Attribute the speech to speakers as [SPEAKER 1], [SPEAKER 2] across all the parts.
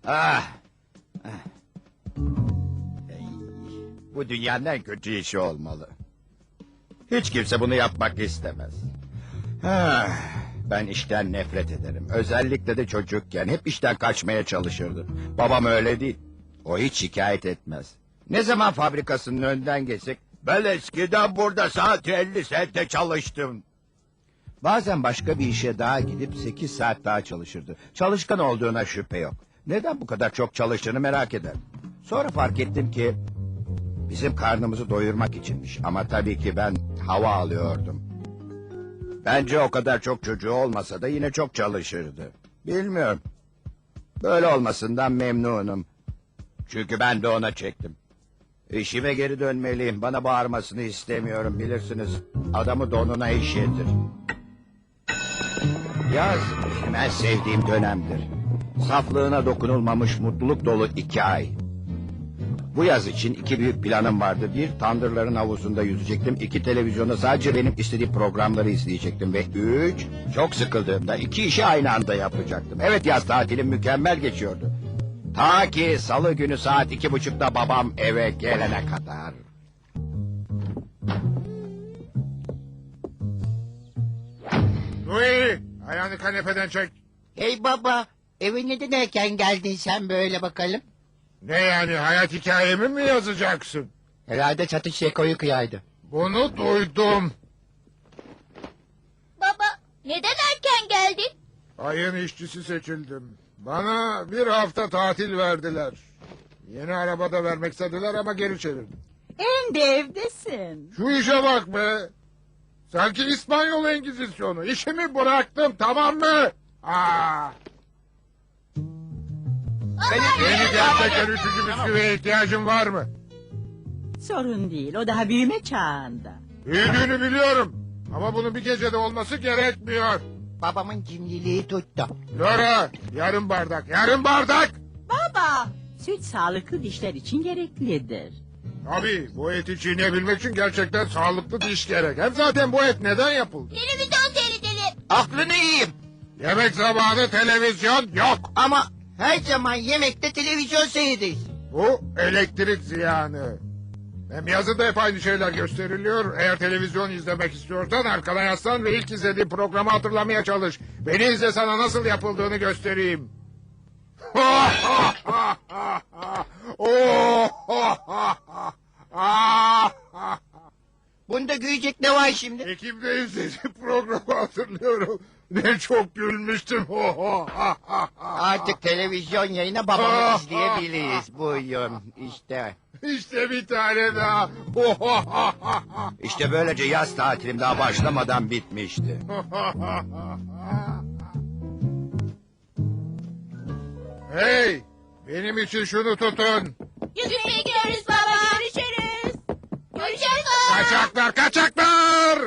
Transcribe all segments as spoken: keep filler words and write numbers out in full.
[SPEAKER 1] Ah. Ah. Ey, bu dünyanın en kötü işi olmalı. Hiç kimse bunu yapmak istemez. Ah, ben işten nefret ederim. Özellikle de çocukken hep işten kaçmaya çalışırdı. Babam öyle değil. O hiç şikayet etmez. Ne zaman fabrikasının önünden geçsek... Ben eskiden burada saat elli sente çalıştım. Bazen başka bir işe daha gidip sekiz saat daha çalışırdı. Çalışkan olduğuna şüphe yok. Neden bu kadar çok çalıştığını merak ederim. Sonra fark ettim ki... bizim karnımızı doyurmak içinmiş. Ama tabii ki ben hava alıyordum. Bence o kadar çok çocuğu olmasa da yine çok çalışırdı. Bilmiyorum. Böyle olmasından memnunum. Çünkü ben de ona çektim. İşime geri dönmeliyim. Bana bağırmasını istemiyorum, bilirsiniz. Adamı donuna işletir. Yaz benim en sevdiğim dönemdir. Saflığına dokunulmamış mutluluk dolu iki ay. Bu yaz için iki büyük planım vardı. Bir, tandırların havuzunda yüzecektim. İki, televizyonda sadece benim istediğim programları izleyecektim. Ve üç, çok sıkıldığımda iki işi aynı anda yapacaktım. Evet, yaz tatilim mükemmel geçiyordu. Ta ki salı günü saat iki buçukta babam eve gelene kadar.
[SPEAKER 2] Louis, ayağını kanepeden çek.
[SPEAKER 3] Hey baba, eve neden erken geldin sen böyle bakalım?
[SPEAKER 2] Ne yani, hayat hikayemi mi yazacaksın?
[SPEAKER 3] Herhalde çatış Şeko'yu kıyaydı.
[SPEAKER 2] Bunu duydum.
[SPEAKER 4] Baba, neden erken geldin?
[SPEAKER 2] Ayın işçisi seçildim. Bana bir hafta tatil verdiler. Yeni arabada vermek istediler ama geri çevirdim.
[SPEAKER 5] Hem de evdesin.
[SPEAKER 2] Şu işe bak be. Sanki İspanyol Engizisyonu. İşimi bıraktım, tamam mı? Aa. Yeni gerçekten üçüncü bisküviye ihtiyacın var mı?
[SPEAKER 5] Sorun değil, o daha büyüme çağında.
[SPEAKER 2] Büyüdüğünü biliyorum. Ama bunun bir gecede olması gerekmiyor.
[SPEAKER 3] Babamın cimriliği tuttu.
[SPEAKER 2] Laura, yarım bardak, yarım bardak.
[SPEAKER 5] Baba, süt sağlıklı dişler için gereklidir.
[SPEAKER 2] Tabii, bu eti çiğneyebilmek için gerçekten sağlıklı diş gerek. Hem zaten bu et neden yapıldı?
[SPEAKER 4] Televizyon seyredelim.
[SPEAKER 3] Aklını yiyeyim.
[SPEAKER 2] Yemek zamanı televizyon yok.
[SPEAKER 3] Ama her zaman yemekte televizyon seyredeyiz.
[SPEAKER 2] Bu elektrik ziyanı. Hem yazıda hep aynı şeyler gösteriliyor. Eğer televizyon izlemek istiyorsan arkana yaslan ve ilk izlediğin programı hatırlamaya çalış. Beni izle, sana nasıl yapıldığını göstereyim.
[SPEAKER 3] Bunda gülecek ne var şimdi?
[SPEAKER 2] Ekim'de izlediğim programı hatırlıyorum. Ne çok gülmüştüm.
[SPEAKER 3] Artık televizyon yayına babamı izleyebiliriz. Buyurun işte.
[SPEAKER 2] İşte bir tane daha.
[SPEAKER 1] İşte böylece yaz tatilim daha başlamadan bitmişti.
[SPEAKER 2] Hey, benim için şunu tutun.
[SPEAKER 4] Yüzmeye gidiyoruz baba. Görüşürüz. Görüşürüz baba.
[SPEAKER 2] Kaçaklar, kaçaklar!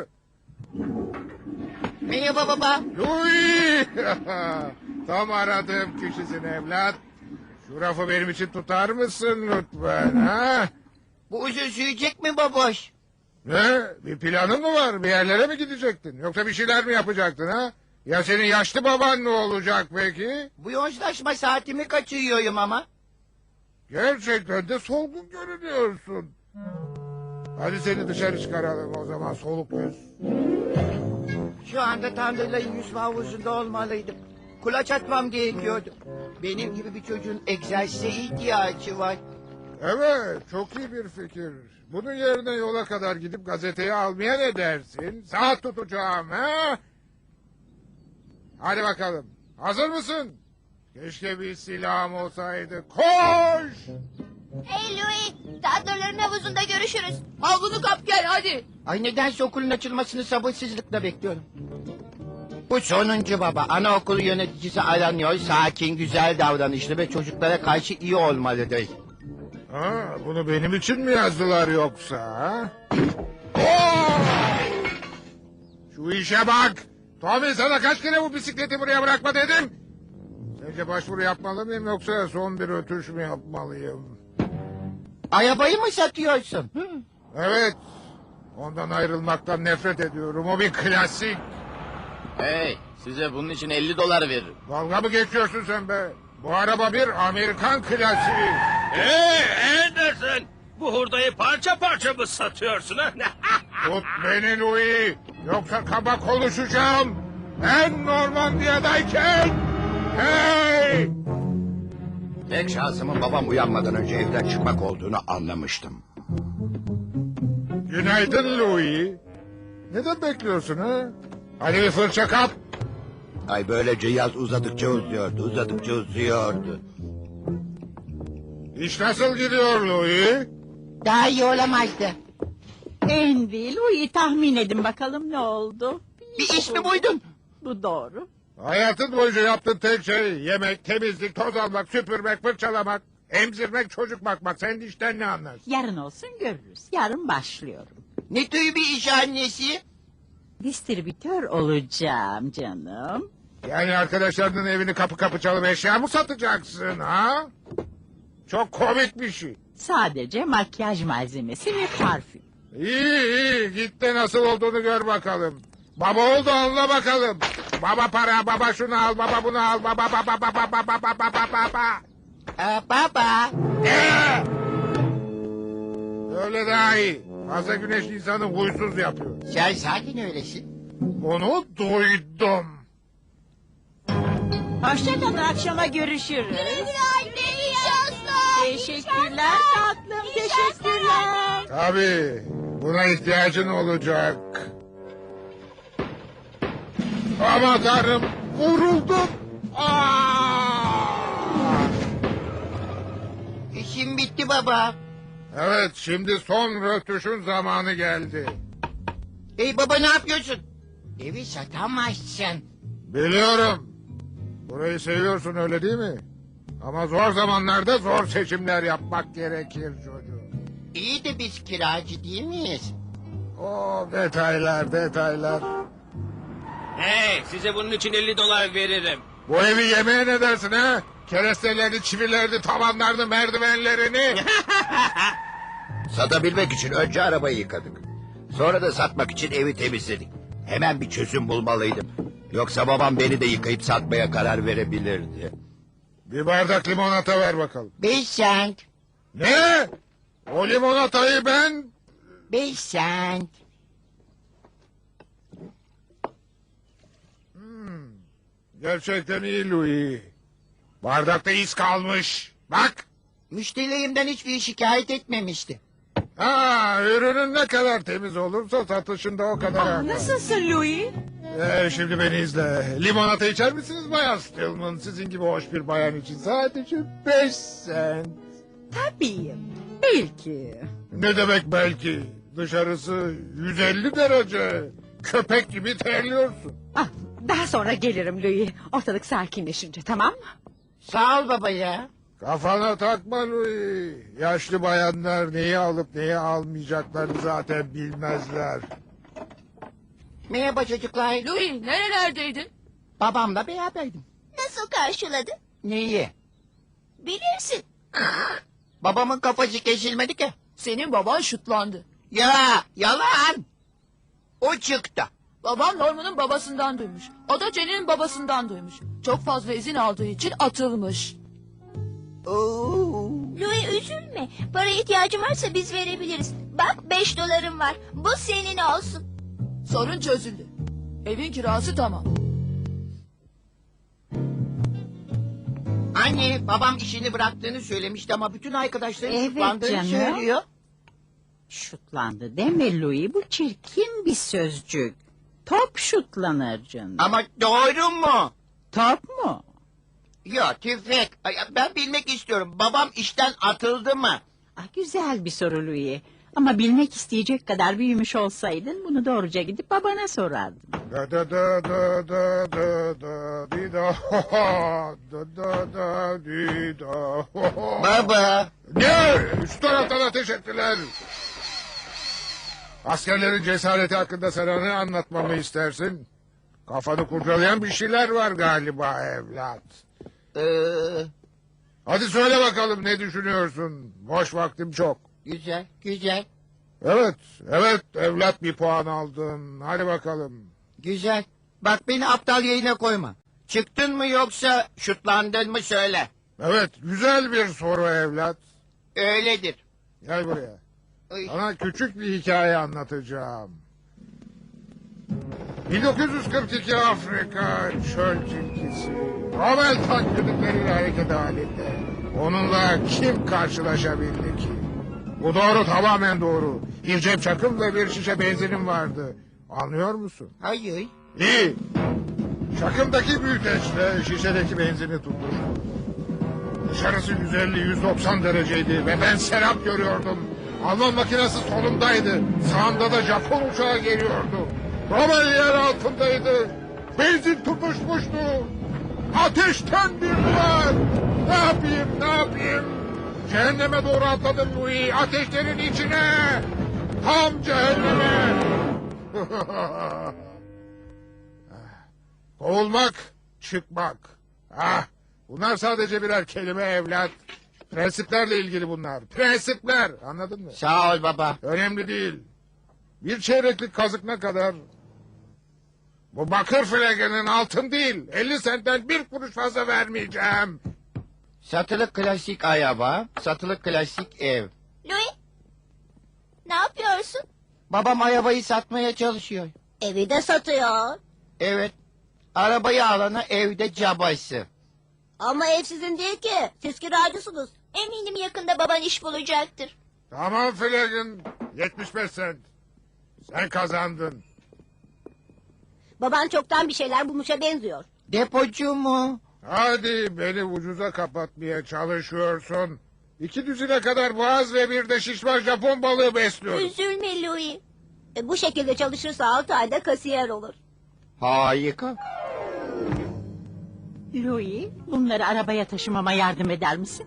[SPEAKER 3] Merhaba baba.
[SPEAKER 2] Louis! Tam aradığım kişisin evlat. Şu rafı benim için tutar mısın lütfen, ha?
[SPEAKER 3] Bu uzun sürecek mi baboş?
[SPEAKER 2] Ne? Bir planın mı var? Bir yerlere mi gidecektin? Yoksa bir şeyler mi yapacaktın, ha? Ya senin yaşlı baban ne olacak peki?
[SPEAKER 3] Bu yoğunlaşma saatimi kaçırıyorum ama.
[SPEAKER 2] Gerçekten de solgun görünüyorsun. Hadi seni dışarı çıkaralım o zaman, soluk yüz.
[SPEAKER 3] Şu anda tandırların yüzme havuzunda olmalıydım. Kulaç atmam gerekiyordu. Benim gibi bir çocuğun egzersize ihtiyacı var.
[SPEAKER 2] Evet, çok iyi bir fikir. Bunun yerine yola kadar gidip gazeteyi almaya ne dersin? Saat tutacağım, ha? Hadi bakalım. Hazır mısın? Keşke bir silahım olsaydı. Koş!
[SPEAKER 4] Hey Louis, tandırların havuzunda görüşürüz. Havlunu kap gel hadi.
[SPEAKER 3] Ay nedense okulun açılmasını sabırsızlıkla bekliyorum. Bu sonuncu baba. Anaokulu yöneticisi aranıyor. Sakin, güzel davranışlı ve çocuklara karşı iyi olmalıdır.
[SPEAKER 2] Ha, bunu benim için mi yazdılar yoksa? Ha? Oh! Şu işe bak! Tommy, sana kaç kere bu bisikleti buraya bırakma dedim? Sence başvuru yapmalı mıyım yoksa son bir ötüş mü yapmalıyım?
[SPEAKER 3] Arabayı mı satıyorsun? Hı?
[SPEAKER 2] Evet. Ondan ayrılmaktan nefret ediyorum. O bir klasik.
[SPEAKER 6] Hey, size bunun için elli dolar veririm.
[SPEAKER 2] Dalga mı geçiyorsun sen be? Bu araba bir Amerikan klasiği.
[SPEAKER 6] Hey Anderson! Bu hurdayı parça parça mı satıyorsun ha?
[SPEAKER 2] Tut beni Louis. Yoksa kaba konuşacağım. Ben Normandiya'dayken. Hey!
[SPEAKER 1] Tek şansımın babam uyanmadan önce evden çıkmak olduğunu anlamıştım.
[SPEAKER 2] Günaydın Louis. Neden bekliyorsun ha? Hadi bir fırça kap.
[SPEAKER 1] Ay böylece yaz uzadıkça uzuyordu, uzadıkça uzuyordu.
[SPEAKER 2] İş nasıl gidiyor Louis?
[SPEAKER 3] Daha iyi olamazdı.
[SPEAKER 5] Envil, Louis tahmin edin bakalım ne oldu?
[SPEAKER 3] Bir iş mi buydun?
[SPEAKER 5] Bu doğru.
[SPEAKER 2] Hayatın boyunca yaptığın tek şey yemek, temizlik, toz almak, süpürmek, fırçalamak, emzirmek, çocuk bakmak. Sen işten ne anlarsın?
[SPEAKER 5] Yarın olsun görürüz. Yarın başlıyorum.
[SPEAKER 3] Ne tür bir iş annesi?
[SPEAKER 5] Distribütör olacağım canım.
[SPEAKER 2] Yani arkadaşlarının evini kapı kapı çalıp eşya mı satacaksın ha? Çok komik bir şey.
[SPEAKER 5] Sadece makyaj malzemesi ve parfüm.
[SPEAKER 2] İyi iyi git de nasıl olduğunu gör bakalım. Baba oldu anla bakalım. Baba para, baba şunu al, baba bunu al, baba baba baba baba baba baba baba.
[SPEAKER 3] Aa, baba.
[SPEAKER 2] Ee! Öyle daha iyi. Fazla güneş insanı huysuz yapıyor.
[SPEAKER 3] Sen sakin öylesin.
[SPEAKER 2] Bunu duydum.
[SPEAKER 5] Hoşçakalın, akşama görüşürüz.
[SPEAKER 4] Anne iyi şanslar.
[SPEAKER 5] Teşekkürler tatlım, teşekkürler.
[SPEAKER 2] Tabii buna ihtiyacın olacak. Aman tanrım vuruldum. Aa!
[SPEAKER 3] İşim bitti baba.
[SPEAKER 2] Evet şimdi son rötuşun zamanı geldi.
[SPEAKER 3] Hey baba ne yapıyorsun? Evi satamazsın.
[SPEAKER 2] Biliyorum. Burayı seviyorsun öyle değil mi? Ama zor zamanlarda zor seçimler yapmak gerekir çocuğum.
[SPEAKER 3] İyi de biz kiracı değil miyiz?
[SPEAKER 2] O detaylar detaylar.
[SPEAKER 6] Hey size bunun için elli dolar veririm.
[SPEAKER 2] Bu evi yemeye ne dersin ha? Kerestelerini, çivilerini, tavanlarını, merdivenlerini.
[SPEAKER 1] Satabilmek için önce arabayı yıkadık. Sonra da satmak için evi temizledik. Hemen bir çözüm bulmalıydım. Yoksa babam beni de yıkayıp satmaya karar verebilirdi.
[SPEAKER 2] Bir bardak limonata ver bakalım.
[SPEAKER 3] Beş sent.
[SPEAKER 2] Ne? O limonatayı ben...
[SPEAKER 3] Beş sent.
[SPEAKER 2] Gerçekten iyi Louis. Bardakta iz kalmış. Bak.
[SPEAKER 3] Müşterilerimden hiçbir şikayet etmemişti.
[SPEAKER 2] Ha, ürünün ne kadar temiz olursa satışında o kadar artar.
[SPEAKER 5] Nasılsın Louis?
[SPEAKER 2] Ee, şimdi beni izle. Limonata içer misiniz Bayan Stillman? Sizin gibi hoş bir bayan için sadece beş sent.
[SPEAKER 5] Tabii. Belki.
[SPEAKER 2] Ne demek belki? Dışarısı yüz elli derece. Köpek gibi terliyorsun.
[SPEAKER 7] Ah, daha sonra gelirim Louis. Ortalık sakinleşince, tamam mı?
[SPEAKER 3] Sağ ol baba ya.
[SPEAKER 2] Kafana takma Louis. Yaşlı bayanlar neyi alıp neyi almayacaklarını zaten bilmezler.
[SPEAKER 3] Merhaba çocuklar.
[SPEAKER 8] Louis nerelerdeydin?
[SPEAKER 3] Babamla beraberdim.
[SPEAKER 4] Nasıl karşıladı?
[SPEAKER 3] Neyi?
[SPEAKER 4] Bilirsin.
[SPEAKER 3] Babamın kafası kesilmedi ki.
[SPEAKER 8] Senin baban şutlandı.
[SPEAKER 3] Ya yalan. O çıktı.
[SPEAKER 8] Babam Norman'ın babasından duymuş. O da Jenny'nin babasından duymuş. Çok fazla izin aldığı için atılmış.
[SPEAKER 3] Oo.
[SPEAKER 4] Louis üzülme. Para ihtiyacın varsa biz verebiliriz. Bak beş dolarım var. Bu senin olsun.
[SPEAKER 8] Sorun çözüldü. Evin kirası tamam.
[SPEAKER 3] Anne babam işini bıraktığını söylemişti ama bütün arkadaşları
[SPEAKER 5] Evet
[SPEAKER 3] tutuklandığını
[SPEAKER 5] canım.
[SPEAKER 3] söylüyor.
[SPEAKER 5] Şutlandı deme Louis, bu çirkin bir sözcük. Top şutlanır canım.
[SPEAKER 3] Ama doğru mu?
[SPEAKER 5] Top mu?
[SPEAKER 3] Yok tüfek. Ay, ben bilmek istiyorum. Babam işten atıldı mı?
[SPEAKER 5] Ah, güzel bir soru Louis. Ama bilmek isteyecek kadar büyümüş olsaydın bunu doğruca gidip babana sorardın.
[SPEAKER 2] Da da da da da da da di da ho ho da da da di da ho ho.
[SPEAKER 3] Baba.
[SPEAKER 2] Ne? Üst taraftan ateş ettiler. Askerlerin cesareti hakkında sana ne anlatmamı istersin? Kafanı kurcalayan bir şeyler var galiba evlat.
[SPEAKER 3] Ee,
[SPEAKER 2] Hadi söyle bakalım ne düşünüyorsun? Boş vaktim çok.
[SPEAKER 3] güzel güzel
[SPEAKER 2] Evet, evet evlat bir puan aldın. Hadi bakalım.
[SPEAKER 3] güzel. Bak beni aptal yerine koyma. Çıktın mı yoksa şutlandın mı söyle.
[SPEAKER 2] Evet, güzel bir soru evlat.
[SPEAKER 3] Öyledir.
[SPEAKER 2] Gel buraya.
[SPEAKER 3] Ay.
[SPEAKER 2] Sana küçük bir hikaye anlatacağım. bin dokuz yüz kırk iki Afrika çöl tilkisi. Rommel tanklarıyla hareket halinde. Onunla kim karşılaşabildi ki? Bu doğru, tamamen doğru. Bir cep çakım ve bir şişe benzinim vardı. Anlıyor musun?
[SPEAKER 3] Hayır.
[SPEAKER 2] İyi. Çakımdaki büyüteçle şişedeki benzini tuttur. Dışarısı yüz elli yüz doksan dereceydi ve ben serap görüyordum. Alman makinesi solumdaydı. Sağımda da Japon uçağı geliyordu. Rommel yer altındaydı. Benzin tutuşmuştu. Ateşten bir duvar. Ne yapayım, ne yapayım? Cehenneme doğru atladım Louis. Ateşlerin içine. Tam cehenneme. Kovulmak, çıkmak. Ah, bunlar sadece birer kelime evlat. Prensiplerle ilgili bunlar. Prensipler, anladın mı?
[SPEAKER 3] Sağ ol baba.
[SPEAKER 2] Önemli değil. Bir çeyreklik kazık ne kadar? Bu bakır flegenin altın değil. elli sentten bir kuruş fazla vermeyeceğim.
[SPEAKER 3] Satılık klasik araba, satılık klasik ev.
[SPEAKER 4] Louis, ne yapıyorsun?
[SPEAKER 3] Babam arabayı satmaya çalışıyor.
[SPEAKER 4] Evi de satıyor.
[SPEAKER 3] Evet. Arabayı alana evde cabası.
[SPEAKER 4] Ama ev sizin değil ki. Siz kiracısınız. Eminim yakında baban iş bulacaktır.
[SPEAKER 2] Tamam Flagin, yetmiş beş sent. Sen kazandın.
[SPEAKER 4] Baban çoktan bir şeyler bulmuşa benziyor.
[SPEAKER 3] Depocu mu?
[SPEAKER 2] Hadi beni ucuza kapatmaya çalışıyorsun. İki düzine kadar boğaz ve bir de şişman Japon balığı besliyorum.
[SPEAKER 4] Üzülme Louis. E, bu şekilde çalışırsa altı ayda kasiyer olur.
[SPEAKER 3] Harika.
[SPEAKER 5] Louis, bunları arabaya taşımama yardım eder misin?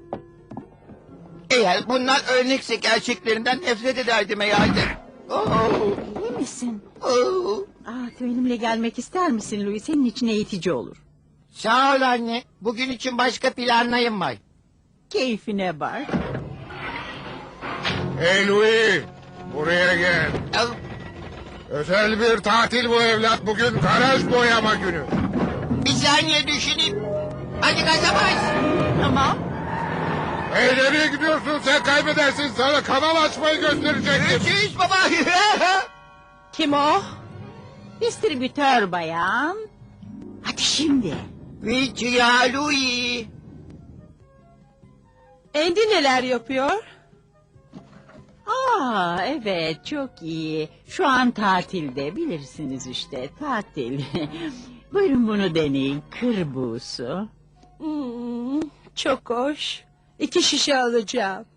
[SPEAKER 3] Eğer bunlar örnekse gerçeklerinden nefret ederdim herhalde. Oh,
[SPEAKER 5] İyi misin?
[SPEAKER 3] oh.
[SPEAKER 5] Aa, benimle gelmek ister misin Louis? Senin için eğitici olur.
[SPEAKER 3] Sağ ol anne. Bugün için başka planlarım var.
[SPEAKER 5] Keyfine bak.
[SPEAKER 2] Hey Louis, buraya gel.
[SPEAKER 3] Al.
[SPEAKER 2] Özel bir tatil bu evlat. Bugün garaj boyama günü.
[SPEAKER 3] Bir saniye düşüneyim. Hadi gaza bas.
[SPEAKER 5] Tamam.
[SPEAKER 2] Hey nereye gidiyorsun? Sen kaybedersin. Sana kanal açmayı gösterecektim.
[SPEAKER 3] Görüşürüz baba.
[SPEAKER 5] Kim o? Distribütör bayan. Hadi şimdi.
[SPEAKER 3] Vicya Louis.
[SPEAKER 7] Andy neler yapıyor?
[SPEAKER 5] Aa, evet, çok iyi. Şu an tatilde, bilirsiniz işte, tatil. Buyurun bunu deneyin, kır buğusu.
[SPEAKER 7] Hmm, çok hoş. İki şişe alacağım.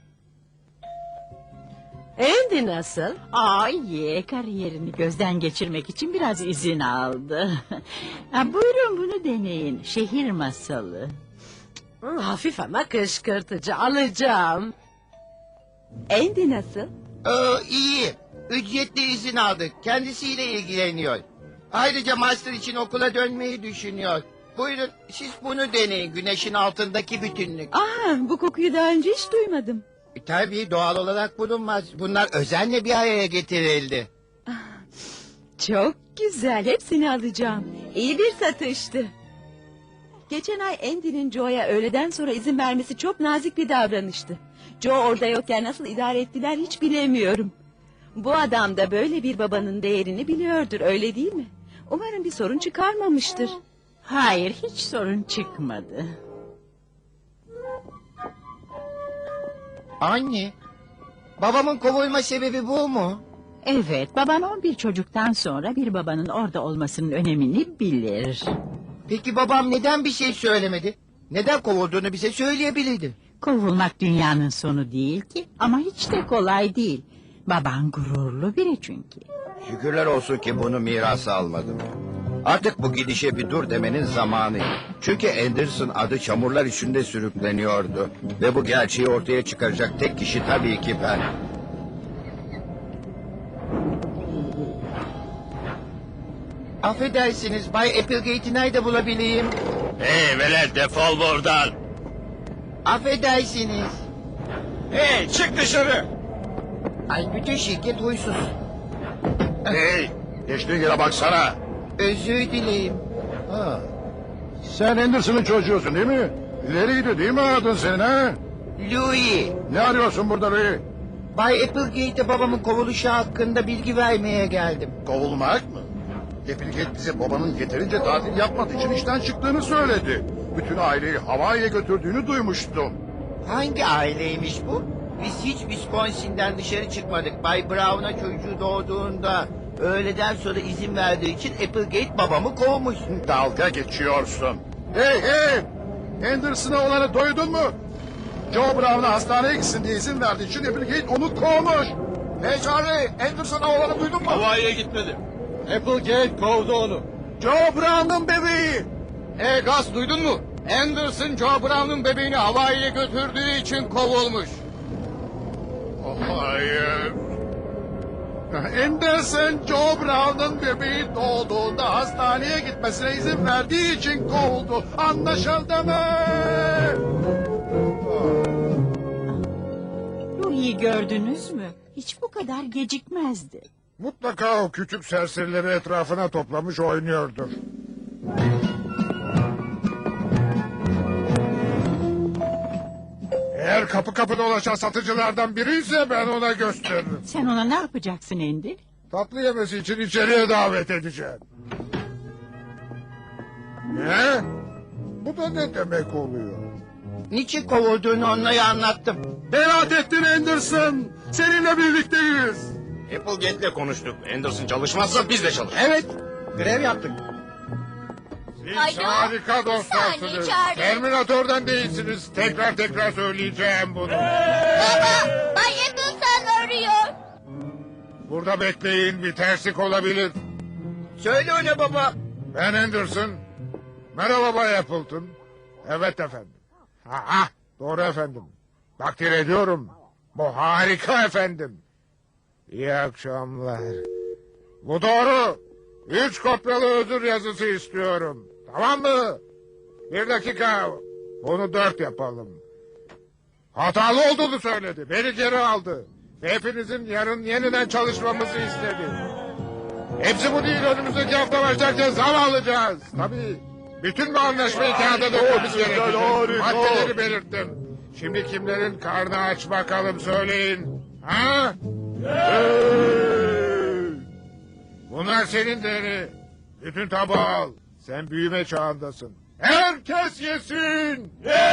[SPEAKER 7] Andy nasıl?
[SPEAKER 5] Aa, iyi, kariyerini gözden geçirmek için biraz izin aldı. Ha, buyurun bunu deneyin, şehir masalı.
[SPEAKER 7] Hmm, hafif ama kışkırtıcı, alacağım. Andy nasıl?
[SPEAKER 3] Ee, iyi. Ücretli izin aldık. Kendisiyle ilgileniyor. Ayrıca master için okula dönmeyi düşünüyor. Buyurun siz bunu deneyin. Güneşin altındaki bütünlük.
[SPEAKER 7] Aa, bu kokuyu daha önce hiç duymadım.
[SPEAKER 3] E, tabii doğal olarak bulunmaz. Bunlar özenle bir araya getirildi.
[SPEAKER 7] Çok güzel, hepsini alacağım. İyi bir satıştı. Geçen ay Andy'nin Joe'ya öğleden sonra izin vermesi çok nazik bir davranıştı. Joe orada yokken nasıl idare ettiler hiç bilemiyorum. Bu adam da böyle bir babanın değerini biliyordur, öyle değil mi? Umarım bir sorun çıkarmamıştır.
[SPEAKER 5] Hayır, hiç sorun çıkmadı.
[SPEAKER 3] Anne, babamın kovulma sebebi bu mu?
[SPEAKER 5] Evet, baban on bir çocuktan sonra bir babanın orada olmasının önemini bilir.
[SPEAKER 3] Peki babam neden bir şey söylemedi? Neden kovulduğunu bize söyleyebilirdi.
[SPEAKER 5] Kovulmak dünyanın sonu değil ki, ama hiç de kolay değil. Baban gururlu biri çünkü.
[SPEAKER 1] Şükürler olsun ki bunu mirasa almadım. Artık bu gidişe bir dur demenin zamanı. Çünkü Anderson adı çamurlar içinde sürükleniyordu. Ve bu gerçeği ortaya çıkaracak tek kişi tabii ki ben.
[SPEAKER 3] Affedersiniz Bay Applegate'i nerede bulabileyim?
[SPEAKER 6] Hey velet defol buradan.
[SPEAKER 3] Affedersiniz.
[SPEAKER 6] Hey çık dışarı.
[SPEAKER 3] Ay bütün şirket huysuz.
[SPEAKER 1] Hey, geçtiğin yere baksana.
[SPEAKER 3] Özür dileyim.
[SPEAKER 1] Ha. Sen Anderson'ın çocuğusun değil mi?
[SPEAKER 2] İleriydi değil mi adın senin ha?
[SPEAKER 3] Louis,
[SPEAKER 2] Ne arıyorsun burada Louis?
[SPEAKER 3] Bay Applegate'e babamın kovuluşu hakkında bilgi vermeye geldim.
[SPEAKER 2] Kovulmak mı? Applegate bize babanın yeterince tatil yapmadığı için işten çıktığını söyledi. Bütün aileyi Hawaii'ye götürdüğünü duymuştum.
[SPEAKER 3] Hangi aileymiş bu? Biz hiç Wisconsin'den dışarı çıkmadık. Bay Brown'a çocuğu doğduğunda öğleden sonra izin verdiği için Applegate babamı kovmuş.
[SPEAKER 2] Dalga geçiyorsun. Hey hey! Anderson'a olanı duydun mu? Joe Brown'a hastaneye gitsin diye izin verdiği için Applegate onu kovmuş. Hey Charlie, Anderson'a olanı duydun mu?
[SPEAKER 6] Havaiye gitmedi.
[SPEAKER 2] Applegate kovdu onu. Joe Brown'un bebeği.
[SPEAKER 3] Hey Gus, duydun mu? Anderson Joe Brown'un bebeğini Hawaii'ye götürdüğü için kovulmuş.
[SPEAKER 2] Hayır. Anderson Joe Brown'un bebeği doğduğunda hastaneye gitmesine izin verdiği için kovuldu. Anlaşıldı mı?
[SPEAKER 5] Louis'i gördünüz mü? Hiç bu kadar gecikmezdi.
[SPEAKER 2] Mutlaka o küçük serserileri etrafına toplamış oynuyordur. Eğer kapı kapı dolaşan satıcılardan biri ise ben ona gösteririm.
[SPEAKER 5] Sen ona ne yapacaksın Andy?
[SPEAKER 2] Tatlı yemesi için içeriye davet edeceğim. Ne? Bu da ne demek oluyor?
[SPEAKER 3] Niçin kovulduğunu onlara anlattım.
[SPEAKER 2] Beraat ettin Anderson. Seninle birlikteyiz.
[SPEAKER 1] Applegate'le konuştuk. Anderson çalışmazsa biz de çalışırız.
[SPEAKER 3] Evet, grev yaptık.
[SPEAKER 2] Siz
[SPEAKER 4] Alo?
[SPEAKER 2] harika
[SPEAKER 4] Bir saniye
[SPEAKER 2] dostlarsınız.
[SPEAKER 4] çağırın.
[SPEAKER 2] Terminatörden değilsiniz. Tekrar tekrar söyleyeceğim bunu.
[SPEAKER 4] Baba, Bay Appleton arıyor.
[SPEAKER 2] Burada bekleyin, bir terslik olabilir.
[SPEAKER 3] Söyle ona baba.
[SPEAKER 2] Ben Anderson. Merhaba Bay Appleton. Evet efendim. Ha, ha, doğru efendim. Takdir ediyorum. Bu harika efendim. İyi akşamlar. Bu doğru. Üç kopyalı özür yazısı istiyorum. Tamam mı? Bir dakika. Bunu dört yapalım. Hatalı olduğunu söyledi. Beni geri aldı. Ve hepinizin yarın yeniden çalışmamızı istedi. Hepsi bu değil. Önümüzdeki hafta başlarken zam alacağız. Tabii. Bütün bu anlaşmayı kağıda dökmemiz gerekecek. Maddeleri belirttim. Şimdi kimlerin karnı aç bakalım söyleyin. Ha? Bunlar senin değeri. Bütün tabağı al. Sen büyüme çağındasın. Herkes yesin.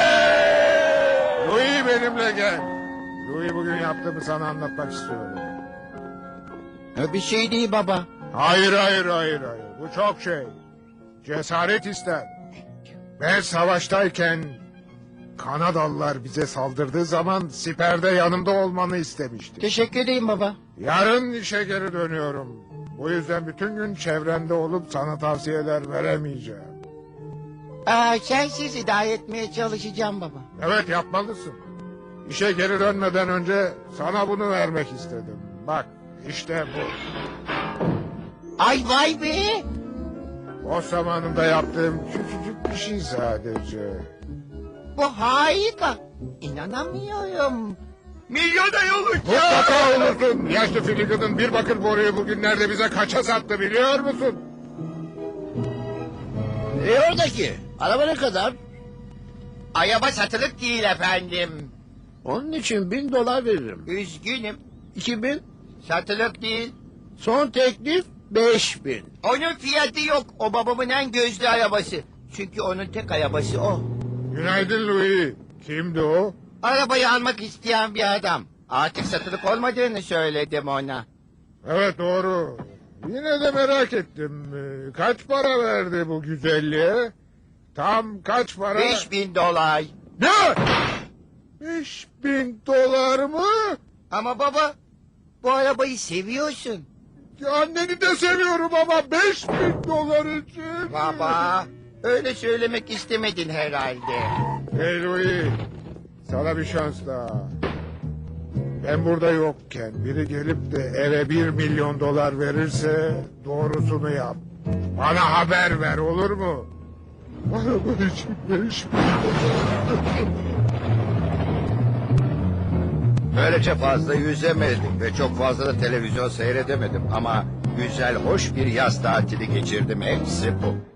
[SPEAKER 2] Louis benimle gel. Louis bugün yaptığımı sana anlatmak istiyorum.
[SPEAKER 3] Bir şey değil baba.
[SPEAKER 2] Hayır hayır hayır hayır. Bu çok şey. Cesaret ister. Ben savaştayken Kanadalılar bize saldırdığı zaman siperde yanımda olmanı istemiştim.
[SPEAKER 3] Teşekkür edeyim baba.
[SPEAKER 2] Yarın işe geri dönüyorum. Bu yüzden bütün gün çevrende olup sana tavsiyeler veremeyeceğim.
[SPEAKER 3] Aa, sensiz idare etmeye çalışacağım baba.
[SPEAKER 2] Evet yapmalısın. İşe geri dönmeden önce sana bunu vermek istedim. Bak işte bu.
[SPEAKER 3] Ay vay be.
[SPEAKER 2] O zamanında yaptığım küçücük bir şey sadece.
[SPEAKER 3] Bu harika. İnanamıyorum. Milyoner olacağım.
[SPEAKER 2] Mutlaka olursun. Yaşlı Finnegan'ın bir bakır boruyu bugünlerde bize kaça sattı biliyor musun?
[SPEAKER 3] Ne oradaki? Araba ne kadar? Araba satılık değil efendim.
[SPEAKER 9] Onun için bin dolar veririm.
[SPEAKER 3] Üzgünüm.
[SPEAKER 9] İki bin.
[SPEAKER 3] Satılık değil.
[SPEAKER 9] Son teklif beş bin.
[SPEAKER 3] Onun fiyatı yok. O babamın en gözlü arabası. Çünkü onun tek arabası o.
[SPEAKER 2] Günaydın Louis. Kimdi o?
[SPEAKER 3] Arabayı almak isteyen bir adam. Artık satılık olmadığını söyledim ona.
[SPEAKER 2] Evet doğru. Yine de merak ettim. Ee, Kaç para verdi bu güzelliğe? Tam kaç para?
[SPEAKER 3] Beş bin dolar.
[SPEAKER 2] Ne? Beş bin dolar mı?
[SPEAKER 3] Ama baba, bu arabayı seviyorsun.
[SPEAKER 2] Anneni de seviyorum ama beş bin dolar için.
[SPEAKER 3] Baba, öyle söylemek istemedin herhalde.
[SPEAKER 2] Hey Louis, sana bir şans daha. Ben burada yokken biri gelip de eve bir milyon dolar verirse doğrusunu yap. Bana haber ver olur mu? Araba için beş bin dolar.
[SPEAKER 1] Böylece fazla yüzemedim ve çok fazla da televizyon seyredemedim. Ama güzel, hoş bir yaz tatili geçirdim. Hepsi bu.